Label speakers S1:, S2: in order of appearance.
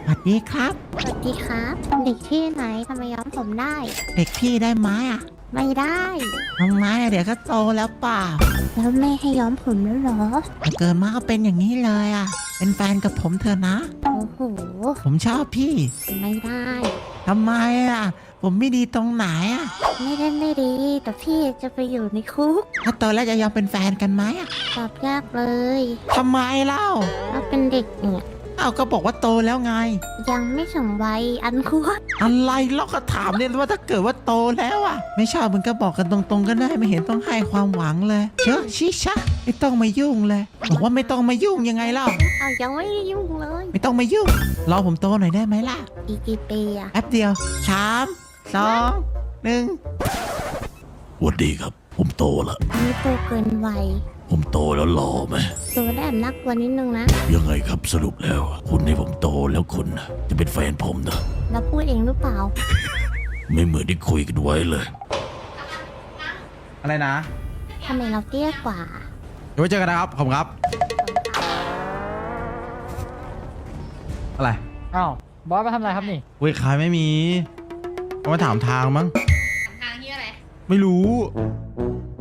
S1: วัสดีครับ
S2: สวัสดีครับเด็กที่ไหนทำไมย้อมผมได้
S1: เด็กพี่ได้ไหมอ่ะ
S2: ไม่ได้
S1: ทำไมอะเดี๋ยวก็โตแล้วเปล่า
S2: แล้วแม่ให้ย้อมผมแล้วเหรอ
S1: แต่เกิดมาก็เป็นอย่างนี้เลยอ่ะ เป็นแฟนกับผมเถอะนะ
S2: โอ้โห
S1: ผมชอบพี่
S2: ไม่ได้
S1: ทำไมอ่ะ ผมไม่ดีตรงไหนอ่ะ
S2: ไม่ได้ไม่ดี แต่พี่จะไปอยู่ในคุก
S1: ถ้าโตแล้วจะยอมเป็นแฟนกันไหมอ่ะ
S2: ตอบยากเลย
S1: ทำไมเล่า
S2: เราเป็นเด็กเนี่ย
S1: เอ้าก็บอกว่าโตแล้วไง
S2: ยังไม่ถึงวัยอันควร
S1: อะไรเราก็ถามเนี่ยว่าถ้าเกิดว่าโตแล้วอ่ะ ไม่ชอบมึงก็บอกกันตรงๆก็ได้ไม่เห็นต้องให้ความหวังเลยเชอะชิชะไม่ต้องมายุ่งเลย บอกว่าไม่ต้องมายุ่งยังไงเล่า
S2: เอายังไม่ได้ยุ่งเลย
S1: ไม่ต้องมายุ่ง รอผมโตหน่อยได้ไหมล่ะ
S2: อีกกี่ปีอะ
S1: แป๊บเดียวสามสองหนึ่ง
S3: สวัสดีครับ ผมโตแล้ว
S2: นี่โตเกินวัย
S3: ผมโตแล้วหล่อไหม
S2: ตัวได้แบบน่ากลัวนิดนึงนะ
S3: ยังไงครับสรุปแล้ว คุณให้ผมโตแล้วคุณน่ะจะเป็นแฟนผมนะ
S2: แล้วพูดเองหรือเปล่า
S3: ไม่เหมือนที่คุยกันไว้เลย
S4: อะไรนะ
S2: ทำไมเราเตี้ยกว่า
S4: เดี๋ยวไว้เจอกันนะครับผมครับ อะไร
S5: อ้าวบอสมาทำอะไรครับนี่
S4: เว้ยขายไม่มีเขามาถามทางมั้ง
S6: ทางที่อะไร
S4: ไม่รู้